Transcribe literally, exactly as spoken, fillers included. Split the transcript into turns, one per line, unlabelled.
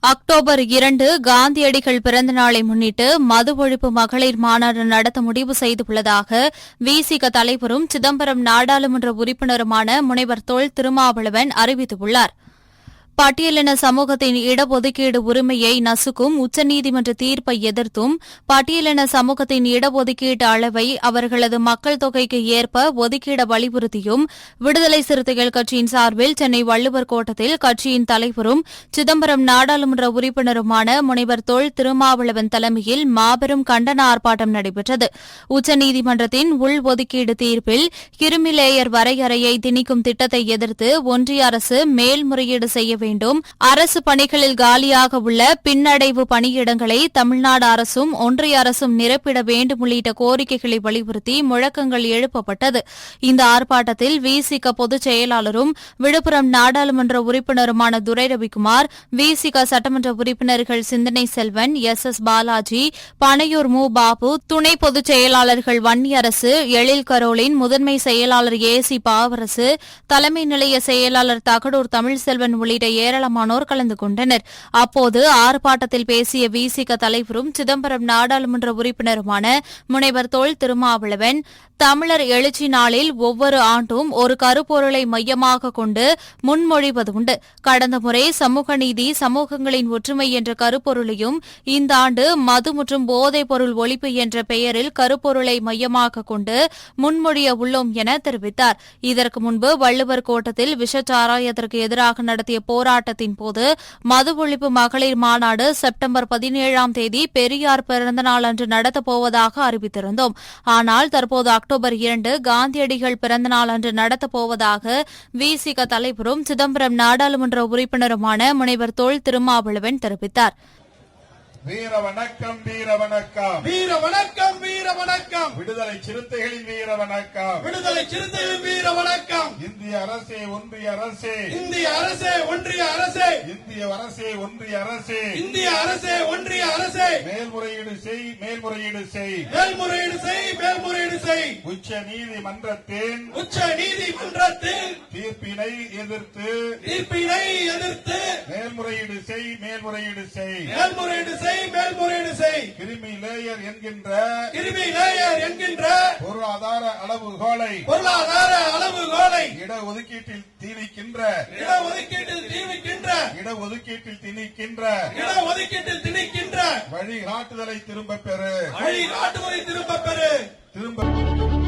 October இரண்டு காந்தியடிகள் பிறந்த நாளை முன்னிட்டு மது ஒழிப்பு மகளிர் மாநாடு நடத்த முடிவு செய்துள்ளதாக விசிக தலைவரும் சிதம்பரம் நாடாளுமன்ற உறுப்பினருமான முனைவர் தொல் திருமாவளவன் அறிவித்துள்ளார். பட்டியலின சமூகத்தின் இடஒதுக்கீடு உரிமையை நசுக்கும் உச்சநீதிமன்ற தீர்ப்பை எதிர்த்தும் பட்டியலின சமூகத்தின் இடஒதுக்கீட்டு அளவை அவர்களது மக்கள் தொகைக்கு ஏற்ப ஒதுக்கீட வலியுறுத்தியும் விடுதலை சிறுத்தைகள் கட்சியின் சார்பில் சென்னை வள்ளுவர் கோட்டத்தில் கட்சியின் தலைவரும் சிதம்பரம் நாடாளுமன்ற உறுப்பினருமான முனைவர் தொல் திருமாவளவன் தலைமையில் மாபெரும் கண்டன ஆர்ப்பாட்டம் நடைபெற்றது. உச்சநீதிமன்றத்தின் உள்ஒதுக்கீடு தீர்ப்பில் கிருமி லேயர் வரையறையை திணிக்கும் திட்டத்தை எதிர்த்து ஒன்றிய அரசு மேல்முறையீடு செய்ய வேண்டும். அரசு பணிகளில் காலியாக உள்ள பின்னடைவு பணியிடங்களை தமிழ்நாடு அரசும் ஒன்றிய அரசும் நிரப்பிட வேண்டும் உள்ளிட்ட கோரிக்கைகளை வலியுறுத்தி முழக்கங்கள் எழுப்பப்பட்டது. இந்த ஆர்ப்பாட்டத்தில் விசிக பொதுச் செயலாளரும் விழுப்புரம் நாடாளுமன்ற உறுப்பினருமான துரை ரவிக்குமார், விசிக சட்டமன்ற உறுப்பினர்கள் சிந்தனை செல்வன், எஸ் எஸ் பாலாஜி, பனையூர் மு பாபு, துணை பொதுச் செயலாளர்கள் வன்னியரசு, எழில் கரோலின், முதன்மை செயலாளர் ஏ சி பாவரசு, தலைமை நிலைய செயலாளர் தகடூர் தமிழ்செல்வன் உள்ளிட்ட ஏராளமானோர் கலந்து கொண்டனர். அப்போது ஆர்ப்பாட்டத்தில் பேசிய விசிக தலைவரும் சிதம்பரம் நாடாளுமன்ற உறுப்பினருமான முனைவர் தொல் திருமாவளவன், தமிழர் எழுச்சி நாளில் ஒவ்வொரு ஆண்டும் ஒரு கருப்பொருளை மையமாக கொண்டு முன்மொழிவதுண்டு. கடந்த முறை சமூக நீதி, சமூகங்களின் ஒற்றுமை என்ற கருப்பொருளையும் இந்த ஆண்டு மது மற்றும் போதைப் பொருள் ஒழிப்பு என்ற பெயரில் கருப்பொருளை மையமாக கொண்டு முன்மொழிய உள்ளோம் என தெரிவித்தார். இதற்கு முன்பு வள்ளுவர் கோட்டத்தில் விஷச்சாராயத்திற்கு எதிராக நடத்திய போராட்டத்தின் போது மது ஒழிப்பு மகளிர் மாநாடு செப்டம்பர் பதினேழாம் தேதி பெரியார் பிறந்தநாள் அன்று நடத்தப்போவதாக அறிவித்திருந்தோம். ஆனால் தற்போது அக்டோபர் இரண்டு காந்தியடிகள் பிறந்தநாள் அன்று நடத்தப்போவதாக விசிக தலைவரும் சிதம்பரம் நாடாளுமன்ற உறுப்பினருமான முனைவர் தொல் திருமாவளவன் தெரிவித்தார்.
வீர வணக்கம், வீர வணக்கம்,
வீர வணக்கம், வீர வணக்கம்,
விடுதலை சிறுத்தைகளின் வீர வணக்கம்,
விடுதலை சிறுத்தைகளின் வீர வணக்கம்,
இந்திய அரசே, ஒன்றிய அரசே,
இந்திய அரசே, ஒன்றிய அரசே,
இந்திய அரசே, ஒன்றிய அரசே,
இந்திய அரசே, ஒன்றிய அரசே,
மேல்முறையீடு செய், மேல்முறையீடு செய்,
மேல்முறையீடு செய், மேல்முறையீடு செய்,
உச்ச நீதிமன்றத்தின்
உச்ச நீதிமன்றத்தின்
தீர்ப்பினை எதிர்த்து
தீர்ப்பினை எதிர்த்து
மேல்முறையீடு செய், மேல்முறையீடு செய்,
மேல்முறையீடு செய், மேல்முறையீடு செய்,
கிருமி லேயர் என்கின்ற
கிருமி லேயர் என்கின்ற
பொருளாதார அளவுகோலை
பொருளாதார அளவுகோலை
இடஒதுக்கீட்டில் திணிக்கின்ற
இடஒதுக்கீட்டில் திணிக்கின்ற
இடஒதுக்கீட்டில் திணிக்கின்ற
இடஒதுக்கீட்டில் திணிக்கின்ற
வழிகாட்டுதலை திரும்ப பெறு
வழிகாட்டுதலை திரும்ப பெறு
திரும்ப